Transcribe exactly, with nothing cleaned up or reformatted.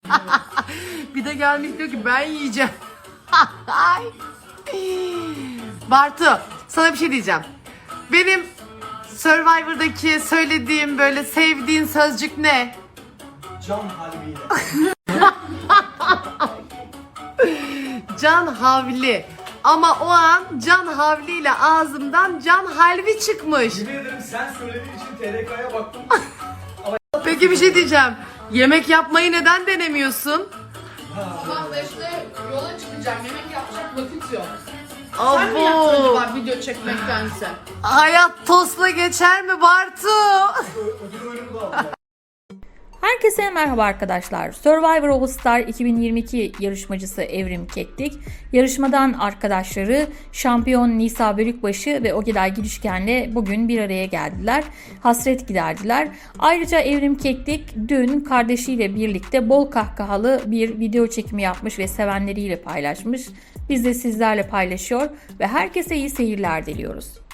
Bir de gelmiş diyor ki ben yiyeceğim. Ay. Bartu, sana bir şey diyeceğim. Benim Survivor'daki söylediğim böyle sevdiğin sözcük ne? Can halviyle. Can havli. Ama o an can havliyle ağzımdan can halvi çıkmış. Yemin ederim sen söylediğin için T R K'ya baktım. Peki bir şey diyeceğim. Yemek yapmayı neden denemiyorsun? Tamam da işte yola çıkacağım. Yemek yapacak vakit yok. Sen mi yaptın Abo. acaba video çekmektense? Hayat tostla geçer mi Bartu? Ödül oyunu da aldım. Herkese merhaba arkadaşlar. Survivor All Star iki bin yirmi iki yarışmacısı Evrim Keklik, yarışmadan arkadaşları şampiyon Nisa Bölükbaşı ve Ogeday Girişken'le bugün bir araya geldiler. Hasret giderdiler. Ayrıca Evrim Keklik dün kardeşiyle birlikte bol kahkahalı bir video çekimi yapmış ve sevenleriyle paylaşmış. Biz de sizlerle paylaşıyor ve herkese iyi seyirler diliyoruz.